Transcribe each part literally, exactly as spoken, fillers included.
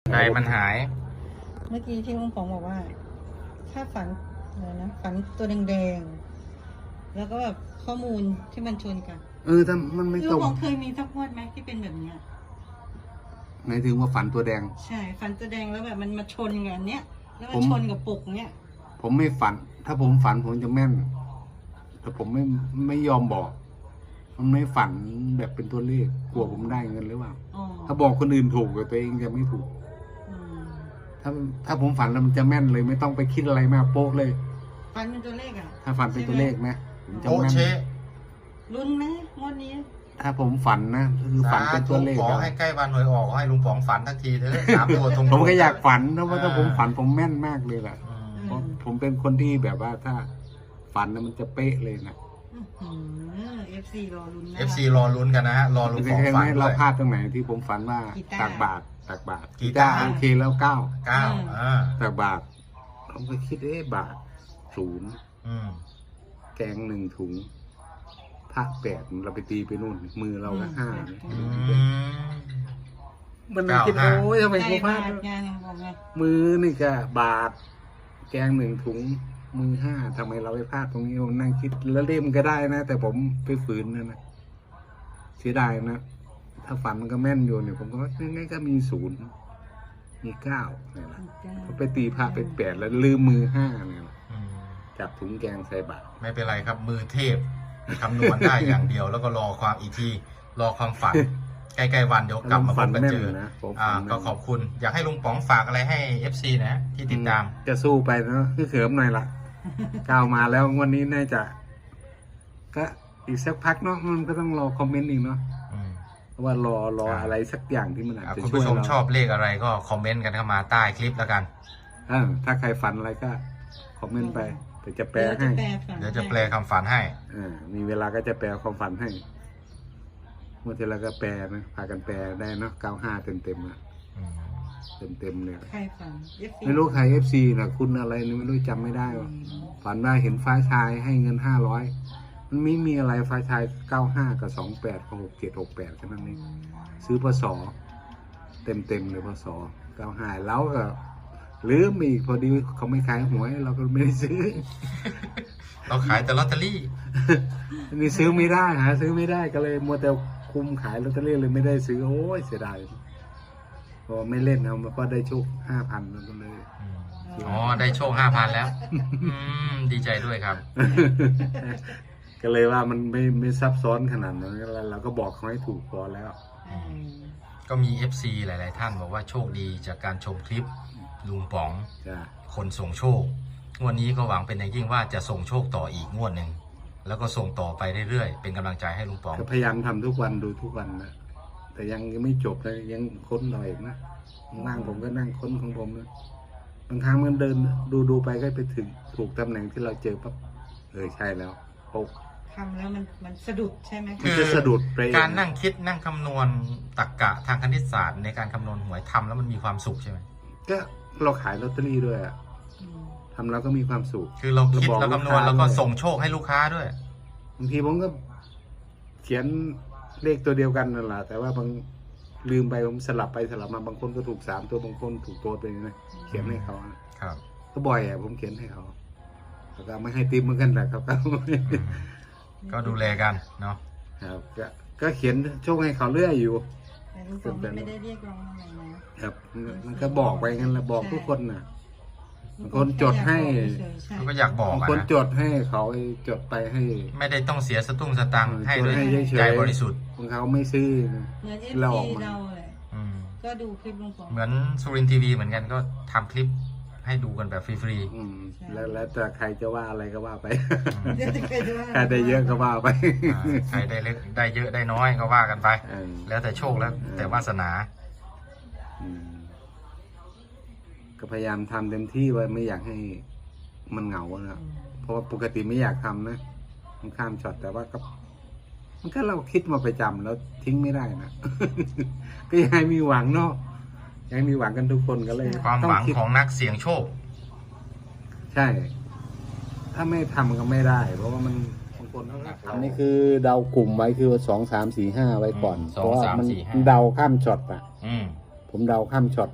ไก่มันหายเมื่อกี้ที่ลุงป๋องบอกว่า ถ้าฝันอะไรนะฝันตัวแดงๆแล้วก็แบบข้อมูลที่มันชนกันเออถ้ามันไม่ลุตรง งป๋องเคยมีสักงวดไหมที่เป็นแบบเนี้ยหมายถึงว่าฝันตัวแดงใช่ฝันตัวแดงแล้วแบบมันมาชนกันเนี้ยแล้วมัผนมชนกับปกเนี้ยผมไม่ฝัน ถ้าผมฝันผมจะแม่น แต่ผมไม่ไม่ยอมบอก มันไม่ฝันแบบเป็นตัวเลขกลัวผมได้เงินหรือเปล่าอ๋อถ้าบอกคนอื่นถูกแต่ตัวเองจะไม่ถูกอืมถ้าถ้าผมฝันแล้วมันจะแม่นเลยไม่ต้องไปคิดอะไรมากโป๊กเลยฝันเป็นตัวเลขอ่ะถ้าฝันเป็นตัวเลขนะผมจะโอแม่นเชลุ้นไหมงวดนี้ถ้าผมฝันนะคือฝันเป็นตัวเลขขออะให้ใกล้วันหวยออกให้ลุงป๋องฝันทักทีเถอะสามตัวตรงๆผมก็อยากฝันนะว่าถ้าผมฝันผมแม่นมากเลยแหละอืมเพราะผมเป็นคนที่แบบว่าถ้าฝันนะมันจะเป๊ะเลยนะเอฟซีรอลุ้นนะเอฟซีรอลุ้นกันนะฮะรอลุงป๋องเห็นฝัไหมนด้เราวยพลาดตรงไหนที่ผมฝันว่ากีตาร์ตักบาตรตักบาตรกีตาร์โอเคแล้วเก้าเก้าอ่าตักบาตรผมก็คิดเอ๊ะบาทศูนย์อืมแกงหนึ่งถุงพระแปดเราไปตีไปนู่น มือเราละห้าอืมมันน่าคิดเก้าห้าโอ้ยทำไมใช่กูพลาบาดทไงบอกไงมือนี่ก็บาท แกงหนึ่งถุง มือห้าทำไมเราไปพลาดตรงนี้ผมนั่งคิดแล้วเล่มก็ได้นะ แต่ผมไปฝืนนะนะเสียดายนะ ถ้าฝันมันก็แม่นอยู่เนี่ยผมก็ว่าง่ายๆก็มีศูนย์มีเก้าเนี่ยแหละเขาไปตีพระไปแปดแล้วลืมมือห้าเนี่ยแหละอืมจับถุงแกงใส่บาตรไม่เป็นไรครับมือเทพคำนวณได้อย่างเดียว แล้วก็รอความอีกทีรอความฝัน ใกล้ๆวันเดี๋ยวกลับมาพฝับนกันแม่นเจอนะผมอ่าฝันแม่นก็ขอบคุณ อยากให้ลุงป๋องฝากอะไรให้ เอฟ ซี นะที่ติดตามจะสู้ไปเนาะคือเขิมหน่อยละก้าวมาแล้ววันนี้น่าจะ ก็อีกสักพักเนาะมันก็ต้องรอคอมเมนต์อีกเนาะอืมเพราะว่ารอรอครับอะไรสักอย่างที่มันอาจอ่าจะคุณช่วยผู้ชมเราชอบเลขอะไรก็คอมเมนต์กันเข้ามาใต้คลิปแล้วกันเออถ้าใครฝันอะไรก็คอมเมนต์ไปเดี๋ยวจะแปลให้เดี๋ยวจะแปลคำฝันให้อ่ามีเวลาก็จะแปลความฝันให้เมื่อทีเราก็แปลนะพากันแปลได้เนาะเก้าห้าเต็มเต็มๆนะอืมเต็มเต็มๆเลยใครฝัน เอฟซีไม่รู้ใครเอฟซีนะคุณอะไรนี่ไม่รู้จำไม่ได้ว่ะฝันว่าเห็นฟ้าชายให้เงินห้าร้อยมันไม่มีอะไรฟ้าชายเก้าห้ากับสองแปดกับหกเจ็ดหกแปดแค่นั้นเองซื้อพศเต็มเต็มๆเลยพศเก้าห้าแล้วก็ลืมอีกพอดีเขาไม่ขายหวยเราก็ไม่ได้ซื้อเราขายแต่ลอตเตอรี่นี่ซื้อไม่ได้หาซื้อไม่ได้ก็เลยมัวแต่คุมขายลอตเตอรี่เลยไม่ได้ซื้อโอ้ยเสียดายพอไม่เล่นเอามาก็ได้โชคห้าพันแล้วก็เลยอ๋อ ได้โชคห้าพันแล้ว อืม ดีใจด้วยครับก็เลยว่ามันไม่ไม่ซับซ้อนขนาดนั้นแล้วเราก็บอกเขาให้ถูกพอแล้วอืมก็มี เอฟ ซี หลาย ๆ ท่านบอกว่าโชคดีจากการชมคลิปลุงป๋องจ้ะคนส่งโชค งวดนี้ก็หวังเป็นอย่างยิ่งว่าจะส่งโชคต่ออีกงวดหนึ่ง แล้วก็ส่งต่อไปเรื่อย ๆ เป็นกำลังใจให้ลุงป๋องก็พยายามทำทุกวันดูทุกวันนะแต่ยังยังไม่จบเลยยังค้นหน่อยนะนั่งผมก็นั่งค้นของผมนะบางครั้งมันเดินดูดูไปก็ไปถึงถูกตำแหน่งที่เราเจอปั๊บเออใช่แล้วโอ้ทำแล้วมันมันสะดุดใช่ไหมมันจะสะดุดไปเองการนั่งคิดนั่งคำนวณตรรกะทางคณิตศาสตร์ในการคำนวณหวยทำแล้วมันมีความสุขใช่ไหมก็เราขายลอตเตอรี่ด้วยอะอืมทำแล้วก็มีความสุขคือเราคิดเราบอกเราคำนวณลูกค้าแล้วก็ด้วยส่งโชคให้ลูกค้าด้วยบางทีผมก็เขียนเลขตัวเดียวกันนั่นแหละแต่ว่าบางลืมไปผมสลับไปสลับมาบางคนก็ถูกสามตัวบางคนถูกตัวไปนะเขียนให้เขาอะครับก็บ่อยอ่ะผมเขียนให้เขาเขาก็ไม่ให้ติปเหมือนกันแหละครับอืมก็ดูแลกันเนาะครับก็ก็เขียนโชคให้เขาเรื่อยอยู่แต่ลุงป๋องไม่ได้เรียกร้องอะไรนะครับมันก็บอกไปงั้นแหละบอกทุกคนน่ะ บางคนจดให้เขาก็อยากบอกบางอะคนนะจดให้เขาจดไปให้ไม่ได้ต้องเสียสตุ้งสตังค์ให้ด้วยให้เฉยๆใจบริสุทธิ์บางเขาไม่ซื้อนะเหมือนเอฟเราอซีอกมาเราเลยอืมก็ดูคลิปลุงป๋องเหมือนสุรินทร์ทีวีเหมือนกันก็ทำคลิปให้ดูกันแบบฟรีอืมแล้วแล้วแต่ใครจะว่าอะไรก็ว่าไปๆอืมเดี๋ยวจะเคยดูว่าใครได้เยอะก็ว่าไปอ่าใครได้เล็กได้เยอะได้น้อยก็ว่ากันไปเออแล้วแต่โชคแล้วแต่วาสนาอืมก็พยายามทำเต็มที่ไว้ไม่อยากให้มันเหงานะเพราะว่าปกติไม่อยากทำนะมันข้ามช็อตแต่ว่าก็ มันก็เราคิดมาประจำแล้วทิ้งไม่ได้นะ ก็ยังให้มีหวังเนาะยังให้มีหวังกันทุกคนก็เลยความหวังต้คิดของนักเสี่ยงโชคใช่ ถ้าไม่ทำก็ไม่ได้ เพราะว่ามันบางคนอันนี้คือเดากลุ่มไว้คือสองสามสี่ห้าไว้ก่อนอืมเพราะว่าสองสามมันสี่ห้าเดาข้ามช็อตอ่ะอืมผมเดาข้ามช็อตนะ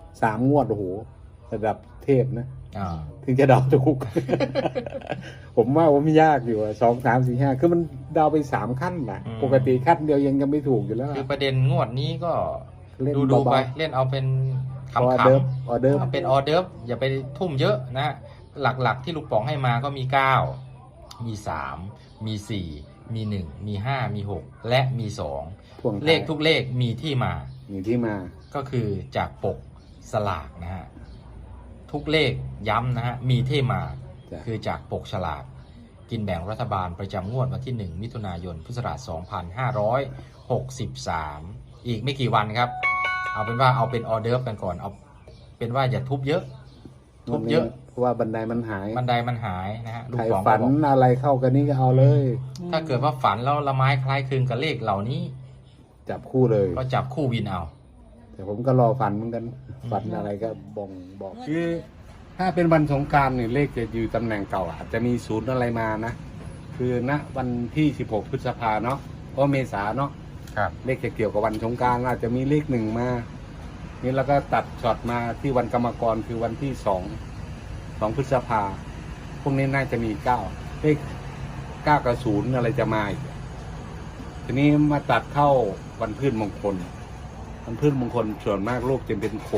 สามงวดโอ้โหระดับเทพนะอ่าถึงจะเดาถูก ผมว่าว่าไม่ยากอยู่อะสองสามสี่ห้าคือมันเดาไปสามขั้นนะปกติขั้นเดียวยังยังไม่ถูกอยู่แล้วคือประเด็นงวดนี้ก็เล่นดูดูเบาๆไปเล่นเอาเป็นขออำเดิร์ฟๆออเดิร์ฟเอาเป็นออเดิร์ฟอย่าไปทุ่มเยอะนะฮะหลักๆที่ลูกป๋องให้มาก็มีเก้ามีสามมีสี่มีหนึ่งมีห้ามีหกและมีสองพ่วงท้ายเลขทุกเลขมีที่มามีที่มาก็คือจากปกสลากนะฮะทุกเลขย้ำนะฮะมีที่มาจ้ะคือจากปกฉลากกินแบ่งรัฐบาลประจำงวดวันที่หนึ่งมิถุนายนพุทธศักราชสองพันห้าร้อยหกสิบสามอีกไม่กี่วันครับ เอาเป็นว่าเอาเป็นออเดิร์ฟกันก่อนเอาเป็นว่าอย่าทุบเยอะ ทุบเยอะเพราะว่าบันไดมันหายบันไดมันหายนะฮะลูใคกรป๋องก็ฝันบอกอะไรเข้ากันนี่ก็เอาเลยถ้าเกิดว่าฝันแล้วละไม้คล้ายคลึงกับเลขเหล่านี้จับคู่เลยก็จับคู่วินเอาแต่ผมก็รอฝันเหมือนกัน ฝันอะไรก็บ่งบอก คือ ถ้าเป็นวันสงกรานต์เนี่ยเลขจะอยู่ตำแหน่งเก่าอาจจะมีศูนย์อะไรมานะ คือณวันที่สิบหกพฤษภาเนาะเพราะเมษาเนาะครับเลขจะเกี่ยวกับวันสงกรานต์อาจจะมีเลขหนึ่งมา นี่แล้วก็ตัดช็อตมาที่วันกรรมกรคือวันที่สองสองพฤษภาพวกนี้น่าจะมีเก้าเลขเก้ากับศูนย์อะไรจะมาอีกทีนี้มาตัดเข้าวันพืชมงคล วันพืชมงคลส่วนมากโลกจะเป็นโค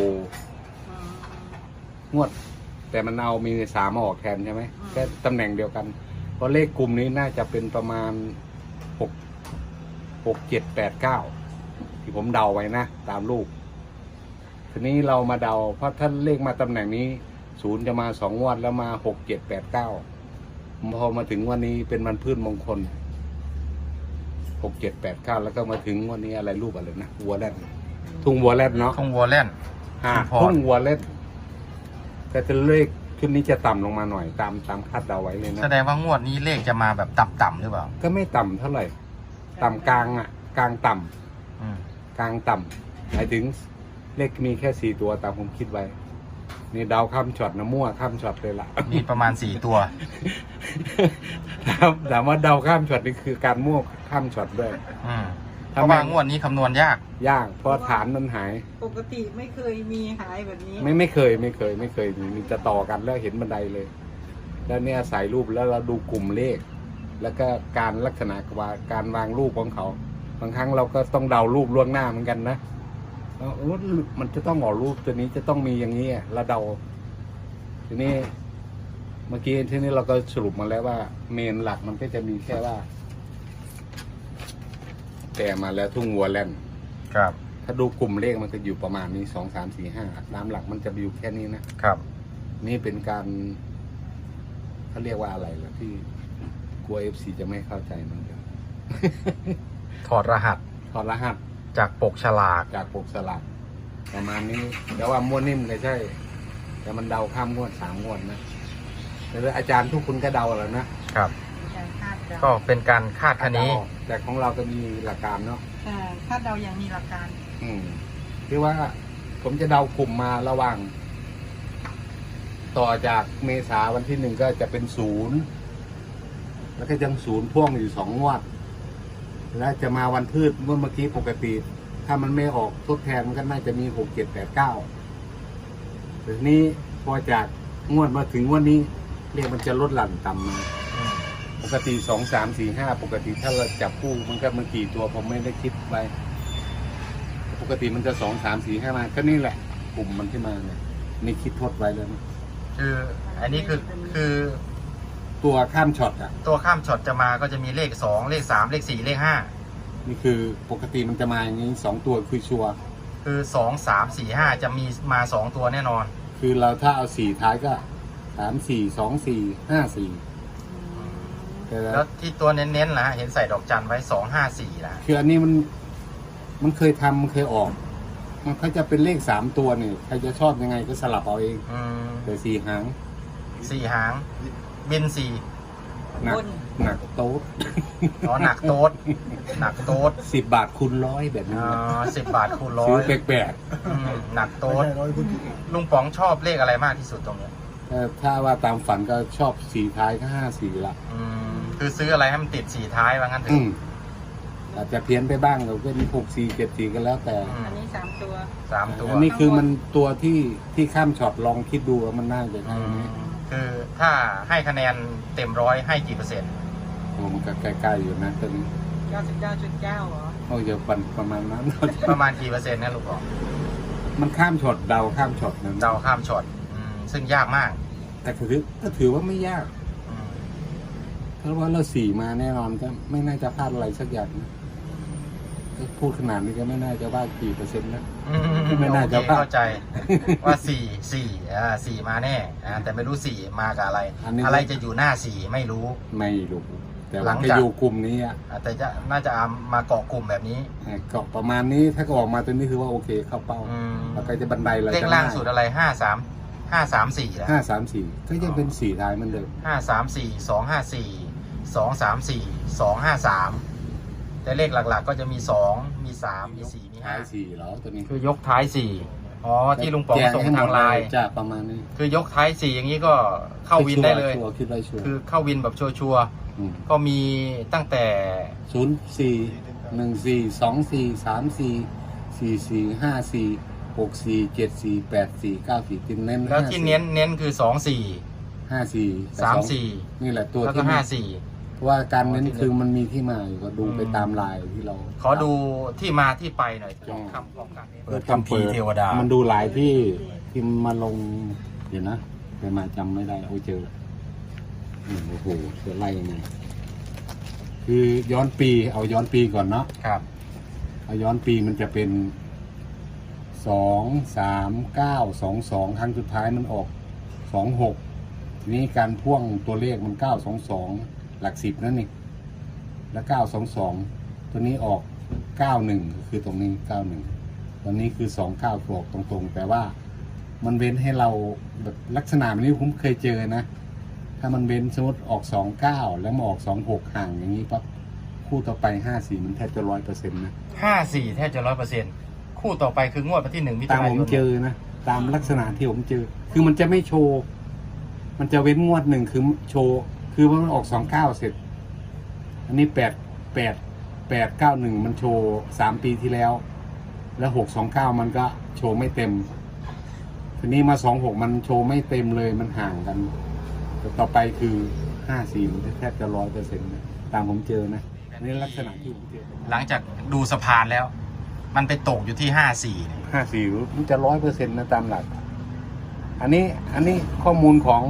งวด แต่มันเอามีสามมาออกแทนใช่ไหมแค่ตำแหน่งเดียวกัน เพราะเลขกลุ่มนี้น่าจะเป็นประมาณหกหกเจ็ดแปดเก้าที่ผมเดาไว้นะตามลูก ทีนี้เรามาเดาเพราะถ้าเลขมาตำแหน่งนี้ศูนย์จะมาสองงวดแล้วมาหกเจ็ดแปดเก้าพอมาถึงวันนี้เป็นวันพืชมงคลหกเจ็ดแปดเก้าแล้วก็มาถึงวันนี้อะไรรูปอะไรนะวัวแรดทุ่งวัวแรดเนาะทุ่งวัวเล่นอ่าชุมพรทุ่งวัวแรดแต่จะเลขชุดนี้จะต่ำลงมาหน่อยตามตามคาดเดาไว้เลยนะแสดงว่างวดนี้เลขจะมาแบบต่ำๆหรือเปล่าก็ไม่ต่ำเท่าไหร่ ต่ำกลางอ่ะ กลางต่ำอืมกลางต่ำหมายถึงเลขมีแค่สี่ตัวตามผมคิดไว้ นี่เดาข้ามช็อตนะมั่วข้ามช็อตเลยล่ะมีประมาณสี่ตัวถามถามว่าเดาข้ามช็อตนี่คือการมั่วข้ามช็อตด้วยอืมเพทำราะไมว่างวดนี้คำนวณยากยากเพราะฐานมันหายปกติไม่เคยมีหายแบบนี้ไม่ไม่เคยไม่เคย ไม่เคยมีมีจะต่อกันแล้วเห็นบันไดเลย แล้วเนี่ยใส่รูปแล้วเราดูกลุ่มเลข แล้วก็การลักษณะว่าการวางรูปของเขา บางครั้งเราก็ต้องเดารูปล่วงหน้าเหมือนกันนะว่าเออมันจะต้องออกรูปตัวนี้จะต้องมีอย่างนี้อะเราเดา ทีนี้ เมื่อกี้ที่นี้เราก็สรุปมาแล้วว่า เมนหลักมันก็จะมีแค่ว่า แต่มาแล้วทุ่งวัวแล่นครับถ้าดูกลุ่มเลขมันก็อยู่ประมาณนี้สองสามสี่ห้าตามหลักมันจะอยู่แค่นี้นะครับนี่เป็นการเขาเรียกว่าอะไรล่ะที่กลัวเอฟซีจะไม่เข้าใจมันกันถอดรหัสถอดรหัสจากปกฉลากจากปกสลักประมาณนี้แต่ว่าม้วนนิ่มก็ใช่ แต่มันเดาข้ามงวดสามงวดนะแต่อาจารย์ทุกคนก็เดาแล้วนะครับการคาดเดาก็เป็นการคาดคะเนเดาแต่ของเราก็มีหลักการเนาะอ่าคาดเดาอย่างมีหลักการอืมคือว่าผมจะเดากลุ่มมาระหว่าง ต่อจากเมษาวันที่หนึ่งก็จะเป็นศูนย์แล้วก็ยังศูนย์พ่วงอยู่สองงวด แล้วจะมาวันพืชเมื่อเมื่อกี้ปกติ ถ้ามันไม่ออกทดแทนมันก็น่าจะมีหกเจ็ดแปดเก้าแต่ทีนี้พอจากงวดมาถึงงวันนี้เรียกมันจะลดหลั่นต่ำมาอืมปกติสองสามสี่ห้าปกติถ้าเราจับคู่มันก็มันกี่ตัวผมไม่ได้คิดไปปกติมันจะสองสามสี่ห้ามาก็นี่แหละ กลุ่มมันที่มาเนี่ยนี่คิดทดไว้แล้วนะคืออันนี้คือคือตัวข้ามช็อตอ่ะตัวข้ามช็อตจะมาก็จะมีเลขสองเลขสามเลขสี่เลขห้านี่คือปกติมันจะมาอย่างนี้สองตัวคือชัวร์คือสองสามสี่ห้าจะมีมาสองตัวแน่นอนคือเราถ้าเอาสี่ท้ายก็สามสี่สองสี่ห้าสี่แต่แล้วที่ตัวเน้นๆล่ะฮะเห็นใส่ดอกจันไว้สองห้าสี่ล่ะคืออันนี้มันมันเคยทำมันเคยออก มันก็จะเป็นเลขสามตัวเนี่ยใครจะชอบยังไงก็สลับเอาเองอืมแต่สี่หางสี่หาง บินสี่หนักบนหนักโต๊ดอ๋อหนักโต๊ดหนักโต๊ดสิบบาทคูณร้อยแบบนี้อ๋อสิบบาทคูณร้อซื้อย แปลกอืมหนักโต๊ดลุงป๋องชอบเลขอะไรมากที่สุดตรงเนี้ยๆแต่ถ้าว่าตามฝันก็ชอบสี่ท้ายก็ห้าสี่ละอืมคือซื้ออะไรให้มันติดสี่ท้ายว่างั้นเถอือะมอาจจะเพี้ยนไปบ้างเราเป็นหกสี่เจ็ดสี่กันแล้วแต่อืมอันนี้สามตัวสามตัวอันนี้คือมันตัวที่ที่ข้ามช็อตลองคิดดูว่ามันน่าจะอืใช่ไหมมคือถ้าให้คะแนนเต็มร้อยให้กี่เปอร์เซ็นต์โอ้มันก็ใกล้ๆอยู่นะตอนนี้เก้าสิบเก้าจุดเก้าเหรอเขาจะปันประมาณนั้นประมาณกี่เปอร์เซ็นต์นะลูกบอกมันข้ามช็อตเดาข้ามช็อตนะเดาข้ามช็อตอืมซึ่งยากมากแต่คือก็ถือว่าไม่ยากอืมเพราะว่าเราสี่มาแน่นอนก็ไม่น่าจะพลาดอะไรสักอย่างนะก็พูดขนาดนี้ก็ไม่น่าจะว่ากี่เปอร์เซ็นต์นะอืมไม่น่าจะโอเคพลาดเข้าใจว่าสี่สี่อ่าสี่มาแน่อ่าแต่ไม่รู้สี่มากับอะไรอันนี้อะไรจะอยู่หน้าสี่ไม่รู้ไม่รู้แต่หลัว่าง จะจากอยู่กลุ่มนี้อ่ะอ่าแต่จะน่าจะเอามาเกาะกลุ่มแบบนี้เกาะประมาณนี้ถ้าก็ออกมาตัวนี้คือว่าโอเคเข้าเป้าอืมแล้วก็จะบันไดเราเลขจะล่างสุดอะไรห้าสามห้าสามสี่แล้วห้าสามสี่ก็ยังเป็นสี่ท้ายเหมือนเดิมห้าสามสี่สองห้าสี่สองสามสี่สองห้าสามแต่เลขหลักๆ ก็จะมีสองมีสามมีสี่มีห้าท้ายสี่เหรอตัวนี้คือยกท้ายสี่อ๋อที่ลุงป๋องแจ้ส่งให้หมทาดงไลน์จะประมาณนี้คือยกท้ายสี่อย่างนี้ก็เข้าวินได้เลยชัวร์คิดไรชัวร์คือเข้าวินแบบชัวร์มๆก็มีตั้งแต่ศูนย์สี่หนึ่งสี่สองสี่สามสี่สี่สี่ห้าสี่หกสี่เจ็ดสี่แปดสี่เก้าสี่ตินเน้นแล้วที่เน้นเน้นคือสองสี่ห้าสี่สามสี่นี่แหละตัวแล้วก็ที่ห้าสี่เพราะว่าการเน้นอ๋อที่คือมันมีที่มาอยู่ก็ดูอืมไปตามลายที่เราขอดูที่มาที่ไปหน่อยอ๋อคำป้องกันเปิดคัมภีร์เทวดามันดูหลายที่ที่มาลงเดี๋ยวนะไปมาจำไม่ได้โอ้เจออืมโอ้โหจะไล่ยังไงคือย้อนปีเอาย้อนปีก่อนเนาะครับเอาย้อนปีมันจะเป็นสองสามเก้าสองสองครั้งสุดท้ายมันออกสองหกทีนี้การพ่วงตัวเลขมันเก้าสองสองหลักสิบนั่นนี่แล้วเก้าสองสองตัวนี้ออกเก้าหนึ่งคือตรงนี้เก้าหนึ่งตอนนี้คือสองเก้าออกตรงๆ แต่ว่ามันเว้นให้เราแบบลักษณะแบบนี้ผมเคยเจอนะ ถ้ามันเว้นสมมติออกสองเก้าแล้วมาออกสองหกห่างอย่างนี้ปั๊บคู่ต่อไปห้าสี่มันแทบจะร้อยเปอร์เซ็นต์นะห้าสี่แทบจะร้อยเปอร์เซ็นต์คู่ต่อไปคืองวดวันที่หนึ่งมิถุตามนาผยมนเจอนะ ตามลักษณะที่ผมเจอ คือมันจะไม่โชว์ มันจะเว้นงวดหนึ่งคือโชว์ คือมันออกสองเก้าเสร็จ อันนี้แปดแปดแปดเก้าหนึ่งมันโชว์สามปีที่แล้ว แล้วหกสองเก้ามันก็โชว์ไม่เต็ม ทีนี้มาสองหกมันโชว์ไม่เต็มเลยมันห่างกันแต่ต่อไปคือห้าสี่มันแทบจะร้อยเปอร์เซ็นต์นะตามผมเจอนะนี่ลักษณะที่ผมเจอหลังจากดูสะพานแล้ว มันไปตกอยู่ที่ห้าสี่เนี่ยห้าสี่มันจะร้อยเปอร์เซ็นต์นะตามหลัก อันนี้อันนี้ข้อมูลของ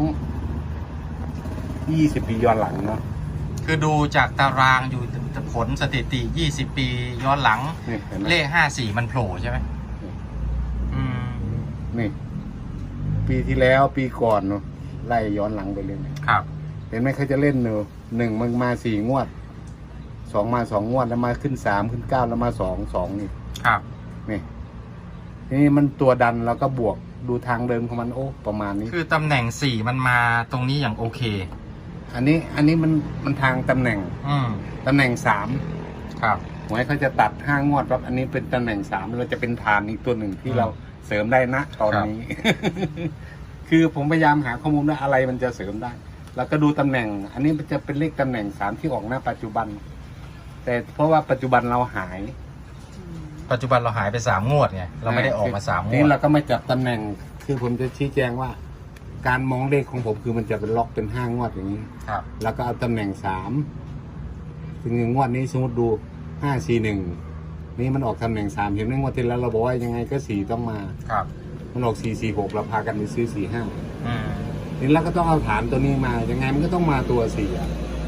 ยี่สิบปีย้อนหลังเนาะคือดูจากตารางอยู่ผลสถิติยี่สิบปีย้อนหลังนี่เห็นไหมเลขห้าสี่มันโผล่ใช่ไหมอืมนี่ ปีที่แล้วปีก่อนเนาะไล่ย้อนหลังไปเลยเนี่ยครับเห็นไหมเขาจะเล่นเนอะหนึ่งมันมาสี่งวดสองมาสองงวดแล้วมาขึ้นสามขึ้นเก้าแล้วมาสองสองนี่ครับนี่ทีนี้มันตัวดันแล้วก็บวกดูทางเดิมของมันโอ้ประมาณนี้คือตำแหน่งสี่มันมาตรงนี้อย่างโอเคอันนี้อันนี้มันมันทางตำแหน่งอืมตำแหน่งสามครับหวยเขาจะตัดห้างวดครับอันนี้เป็นตำแหน่งสามเราจะเป็นฐานอีกตัวหนึ่งที่อืมเราเสริมได้นะตอนนี้ คือผมพยายามหาข้อมูลว่าอะไรมันจะเสริมได้ แล้วก็ดูตำแหน่ง อันนี้มันจะเป็นเลขตำแหน่งสามที่ออกหน้าปัจจุบัน แต่เพราะว่าปัจจุบันเราหายปัจจุบันเราหายไปสามงวดไงเราไม่ได้ออกมาสามงนี่วดเราก็ไม่จับตำแหน่ง คือผมจะชี้แจงว่า การมองเลขของผมคือมันจะเป็นล็อกเป็นห้างวดอย่างนี้ครับแล้วก็เอาตำแหน่งสามถึงงวดนี้สมมติดูห้าสี่หนึ่งนี่มันออกตำแหน่งสามเห็นไหมงวดที่แล้วเราบอกว่ายังไงก็สี่ต้องมาครับมันออกสี่สี่หกเราพากันไปซื้อสี่ห้าอืมนี่เราก็ต้องเอาฐานตัวนี้มายังไงมันก็ต้องมาตัวสี่อ่ะ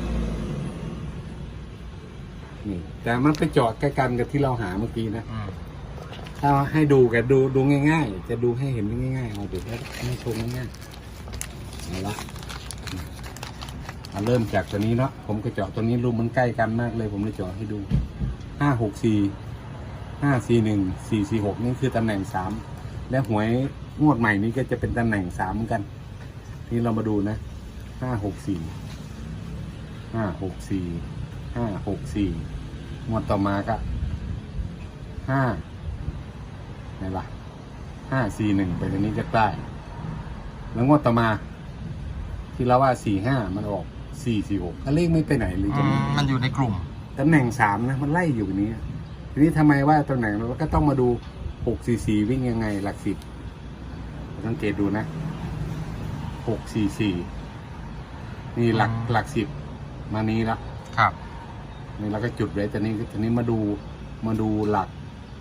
นี่แต่มันไปเจาะใกล้กันกับที่เราหาเมื่อกี้นะอืมถ้าให้ดูกันดูดูง่ายๆ จะดูให้เห็นง่ายๆเอาเดี๋ยวให้ชมง่ายๆเอาละเอาเริ่มจากตัวนี้เนาะผมก็เจาะตัวนี้รูปมันใกล้กันมากเลย ผมเลยเจาะให้ดูห้าหกสี่ห้าสี่หนึ่งสี่สี่หกนี่คือตำแหน่งสามและหวยงวดใหม่นี้ก็จะเป็นตำแหน่งสามเหมือนกันนี่เรามาดูนะห้าหกสี่ห้าหกสี่ห้าหกสี่งวดต่อมาก็ห้าไหนล่ะห้าสี่หนึ่งไปตรงนี้จะใกล้แล้วงวดต่อมา ที่เราว่าสี่ห้ามันออกสี่สี่หกเลขไม่ไปไหนเลยอืจะมไม่มันอยู่ในกลุ่มตำแหน่งสามนะมันไล่อยู่นี้ทีนี้ทำไมว่าตำแหน่งเราก็ต้องมาดูหกสี่สี่วิ่งยังไงหลักสิบสังเกตดูนะหกสี่สี่นี่หลักหลักสิบมานี้ละครับนี่เราก็จุดไว้แต่นี้ทีนี้มาดูมาดูหลัก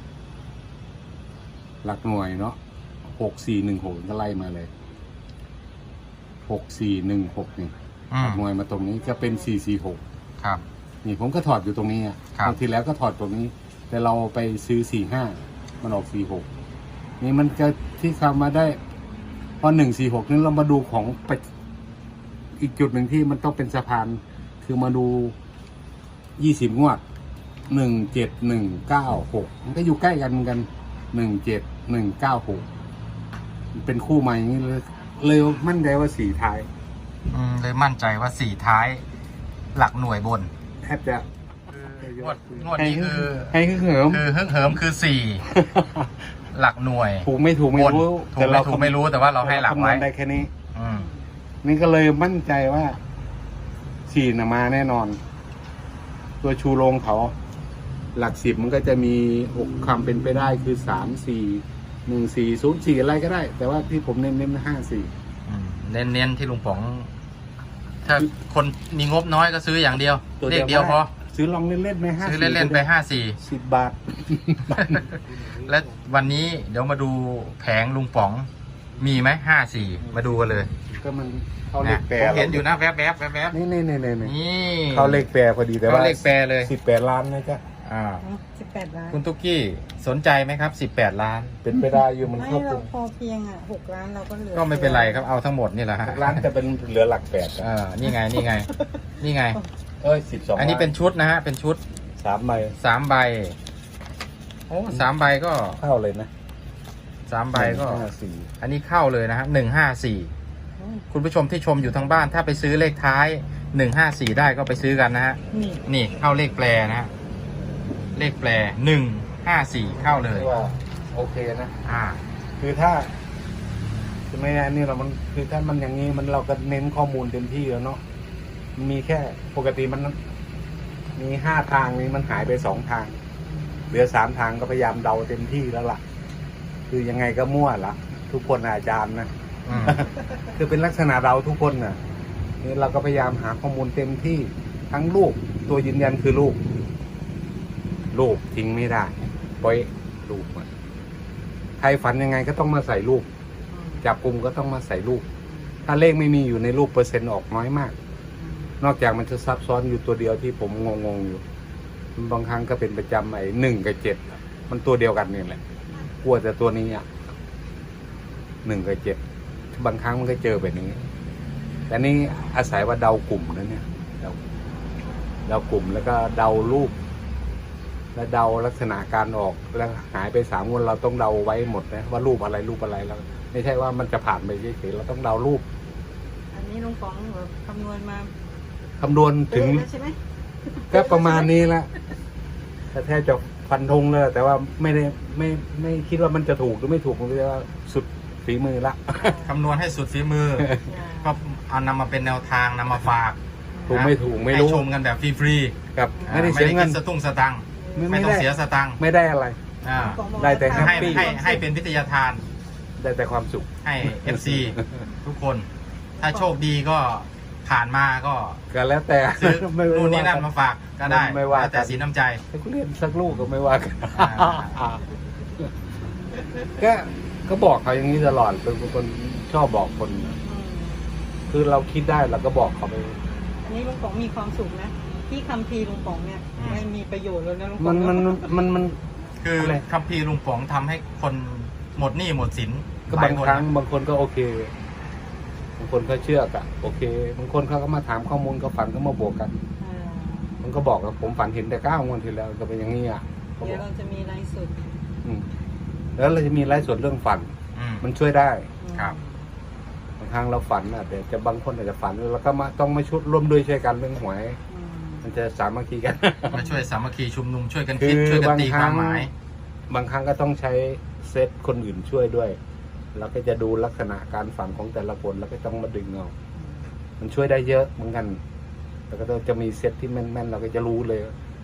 หลักหน่วยเนาะหกสี่หนึ่งหกก็ไล่มาเลยหกสี่หนึ่งหกนี่อืหลัมกหน่วยมาตรงนี้จะเป็นสี่สี่หกครับนี่ผมก็ถอดอยู่ตรงนี้อ่ะครับบางทีแล้วก็ถอดตรงนี้ แต่เราไปซื้อสี่ห้ามันออกสี่หกนี่มันจะที่คำมาได้พอหนึ่งสี่หกนี่เรามาดูของไปอีกจุดหนึ่งที่มันต้องเป็นสะพาน คือมาดูยี่สิบงวดหนึ่งเจ็ดหนึ่งเก้าหกมันก็อยู่ใกล้กันเหมือนกันหนึ่งเจ็ดหนึ่งเก้าหกเป็นคู่ใหม่อย่างนี้เลยเลยมั่นใจว่าสี่ท้ายอืมเลยมั่นใจว่าสี่ท้ายหลักหน่วยบนแทบจะงวดงวดนี้คือให้คือเหิมคือเฮิ่งเหิมคือสี่ หลักหน่วยถูกไม่ถูกไม่บนรู้ถูกไม่ถูกไม่รู้แต่ว่าเราให้หลักคำนไว้วณได้แค่นี้อืมนี่ก็เลยมั่นใจว่าสี่นะมาแน่นอน ตัวชูโรงเขา หลักสิบมันก็จะมีอกคำเป็นไปได้คือสามสี่หนึ่งสี่ศูนย์สี่อะไรก็ได้ แต่ว่าที่ผมเน้นเน้นห้าสี่อืมเน้นๆที่ลุงป๋อง ถ้าคนมีงบน้อยก็ซื้ออย่างเดียวเลขเดียวพอซื้อลองเล่นๆไหมห้าซื้อเล่นๆไปห้าสี่สิบบาทและวันนี้เดี๋ยวมาดูแผงลุงป๋อง มีไหมห้าสี่มาดูกันเลยก็มันเข้าเลนะขแปรผมเห็นอยู่นะแวบๆแวบๆแวบนี่นี่นี่นี่ๆนี่เข้าเลขแปรพอดีแต่ว่าเข้าเลขแปรเลยสิบแปดล้านนะจ๊ะอ่าสิบแปดล้านคุณตุ๊กกี้สนใจไหมครับสิบแปดล้านเป็นไปได้อยู่มันไม่ครอบคเราลุมพอเพียงอ่ะหกล้านเราก็เหลือก็ไม่เป็นไรครับเอาทั้งหมดนี่แหละฮะล้านแต่เป็นเหลือหลักแปดอ่านี่ไงนี่ไง นี่ไงเอ้ยสิบสองอันนี้เป็นชุดนะฮะเป็นชุดสามใบสามใบโอ้สามใบก็เข้าเลยนะสามใบก็ห้าสี่อันนี้เข้าเลยนะฮะหนึ่งห้าสี่คุณผู้ชมที่ชมอยู่ทางบ้านถ้าไปซื้อเลขท้ายหนึ่งห้าสี่ได้ก็ไปซื้อกันนะฮะนี่นี่เข้าเลขแปรนะฮะเลขแปรหนึ่งห้าสี่เข้าเลยที่ว่าโอเคนะอ่าคือถ้าใช่ไหมอันนี้เรามันคือถ้ามันอย่างนี้มันเราก็เน้นข้อมูลเต็มที่แล้วเนาะมันมีแค่ปกติมันมีห้าทางนี้มันหายไปสองทาง เหลือสามทางก็พยายามเดาเต็มที่แล้วล่ะ คือยังไงก็มั่วละทุกคนน่ะอาจารย์นะอืมคือเป็นลักษณะเราทุกคนน่ะนี่เราก็พยายามหาข้อมูลเต็มที่ทั้งรูปตัวยืนยันคือรูปรูปทิ้งไม่ได้ปล่อยรูปมาใครฝันยังไงก็ต้องมาใส่รูปจับกลุ่มก็ต้องมาใส่รูปถ้าเลขไม่มีอยู่ในรูปเปอร์เซ็นต์ออกน้อยมาก นอกจากมันจะซับซ้อนอยู่ตัวเดียวที่ผมงงๆอยู่บางครั้งก็เป็นประจำไอ้หนึ่งกับเจ็ดมันตัวเดียวกันนี่แหละกลัวแต่ตัวนี้อ่ะหนึ่งกับเจ็ดบางครั้งมันก็เจอแบบนี้แต่นี่อาศัยว่าเดากลุ่มนะเนี่ยเดาเดากลุ่มแล้วก็เดารูป แล้วเดาลักษณะการออกแล้วหายไปสามวันเราต้องเดาไว้หมดนะว่ารูปอะไรรูปอะไรแล้วไม่ใช่ว่ามันจะผ่านไปเฉยๆเราต้องเดารูปอันนี้ลุงป๋องแบบคำนวณมาคำนวณถึงเป๊ะแล้วใช่ไหมก็ประมาณนี้ละแต่แทบจะฟันธงเลยแต่ว่าไม่ได้ไม่ไม่คิดว่ามันจะถูกหรือไม่ถูกผมจะว่าสุดฝีมือละคำนวณให้สุดฝีมือ ก็เอานำมาเป็นแนวทางนำมาฝากถูกไม่ถูกไม่รู้ให้ชมกันแบบฟรีครับๆไม่ได้เสียเงินคิดสตุ้งสตังค์ไม่ไม่ไม่ต้องได้เสียสตังค์ไม่ได้อะไรอ่าได้แต่ให้ Happy ให้ให้เป็นวิทยาทานได้แต่ความสุขให้ เอฟ ซี ทุกคน ถ้าโชคดีก็ผ่านมาก็ก็แล้วแต่ซื้อไม่นู่นนี่นั่นว่กัมาฝากก็ได้ไม่ว่าแล้วแต่กันสีน้ำใจแต่กูเรียนสักลูกก็ไม่ว่ากันอ่าก็ก็บอกเขาอย่างนี้ตลอดเป็นคนชอบบอกคนอืมคือเราคิดได้เราก็บอกเขาไปอันนี้ลุงป๋องมีความสุขนะที่คัมภีร์ลุงป๋องเนี่ยอืมไม่มีประโยชน์แล้วนะลุงป๋มัอน งมันมันมันคืออะไรคัมภีร์ลุงป๋องทำให้คนหมดหนี้หมดสินก็หลบาย งคนครั้งนะบางคนก็โอเค บางคนก็เชื่อกะโอเค บางคนเขาก็มาถามข้อมูลก็ฝันก็มาบวกกันอ่ามันก็บอกว่าผมฝันเห็นแต่เก้างวดที่แล้วก็เป็นอย่างนี้อ่ะเขาบเดี๋อย กวเราจะมีไลฟ์สดอืมแล้วเราจะมีไลฟ์สดเรื่องฝันอืมมันช่วยได้ครับบางครั้งเราฝันอ่ะแต่จะบางคนอาจจะฝันแล้วก็มาต้องมาชุดร่วมด้วยช่วยกันเรื่องหวยอืมมันจะสามัคคีกันมาช่วยสามัคคีชุมนุมช่วยกันคืคิดอช่วยกันบางตีคครั้วาง มหมายบางครั้งก็ต้องใช้เซตคนอื่นช่วยด้วย แล้วก็จะดูลักษณะการฝันของแต่ละคนแล้วก็ต้องมาดึงเอามันช่วยได้เยอะเหมือนกัน แล้วก็จะมีเซตที่แม่นๆเราก็จะรู้เลย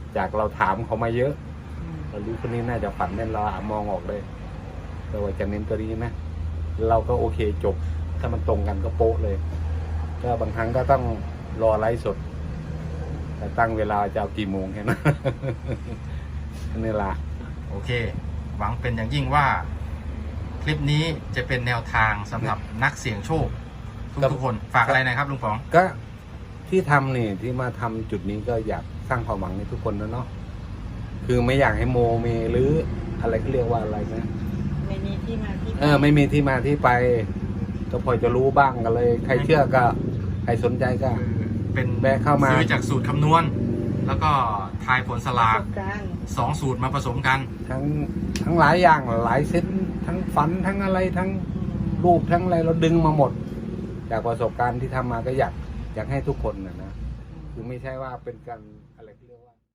จากเราถามเขามาเยอะอืมเรารู้คนนี้น่าจะฝันแน่นเรามองออกเลยแต่ว่าจะเน้นตัวนี้นะเราก็โอเคจบ ถ้ามันตรงกันก็โป๊ะเลย ก็บางครั้งก็ต้องรอไลฟ์สด แต่ตั้งเวลาจะเอากี่โมงแค่นั้น นี่ละโอเค หวังเป็นอย่างยิ่งว่า คลิปนี้จะเป็นแนวทางสำหรับนักเสี่ยงโชค ทุกๆคนฝากอะไรหนะครับลุงป๋องก็ที่ทำนี่ที่มาทำจุดนี้ก็อยากสร้างความหวังในทุกคนนะเนาะคือไม่อยากให้โมเมหรืออะไรเขาเรียกว่าอะไรนะไม่มีที่มาที่ไปเออไม่มีที่มาที่ไป ก็พอจะรู้บ้างกันเลย ใครเชื่อก็ใครสนใจก็เป็นแวะเข้ามาซื้อจากสูตรคำนวณ แล้วก็ทายผลสปลาระกสบการณ์สองสูตรมาผสมกันทั้งทั้งหลายอย่างหลายเซตทั้งฝันทั้งอะไรทั้งอืมรูปทั้งอะไรเราดึงมาหมด จากประสบการณ์ที่ทำมาก็อยากอยากให้ทุกคนนะนะคือไม่ใช่ว่าเป็นการ